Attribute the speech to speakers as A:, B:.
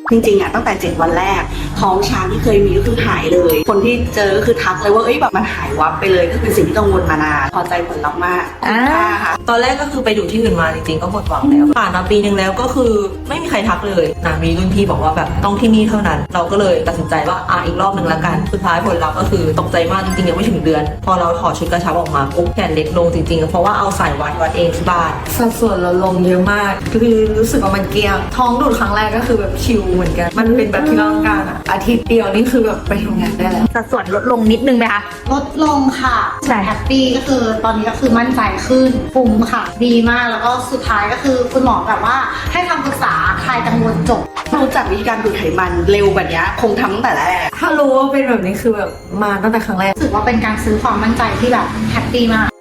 A: จริงๆอ่ะตั้งแต่7 วันแรกท้องช้างที่เคยมีก็คือหายเลย คนที่เจอก็คือทักเลยว่าแบบมันหายวับไปเลยก็เป็นสิ่งที่กังวลมานานพอใจผลลัพธ์มากค่ะ
B: ตอนแรกก็คือไปดูที่อื่นมาจริงๆก็หมดหวังแล้วผ่านมาปีนึงแล้วก็คือไม่มีใครทักเลยนะมีรุ่นพี่บอกว่าแบบต้องที่นี่เท่านั้นเราก็เลยตัดสินใจว่าอีกรอบนึงละกันสุดท้ายผลลัพธ์ก็คือตกใจมากจริงๆยังไม่ถึงเดือนพอเราถอดชุดกระชับออกมาปุ๊บแขนเล็กลงจริงๆเพราะว่าเอาสายวัดเองที่บ้านสัดส่วนเราลงเยอะมากคือรู้สึกว่ามันเกลี้ยงท้องดูดครั้งแรกก็คือแบบชิลเหมือนกันมันเป็นแบบที่เราต้องการอาทิตย์เดียวนี่คือแบบไปทำงานได้แล้ว
C: สัดส่วนลดลงนิดนึงไหมคะ
D: ลดลงค่ะ
C: ใช่
D: แฮปปี้ก็คือตอนนี้ก็คือมั่นใจขึ้นปุ่มค่ะ ดีมากแล้วก็สุดท้ายก็คือคุณหมอแบบว่าให้คำปรึกษาคลายกังวลจบ
A: รู้จักวิธีการดูดไขมันเร็วแบบนี้คงทำตั้งแต่แรก
B: ถ้ารู้ว่าเป็นแบบนี้คือแบบมาตั้งแต่ครั้งแรก
D: รู้สึกว่าเป็นการซื้อความมั่นใจที่แบบแฮปปี้มาก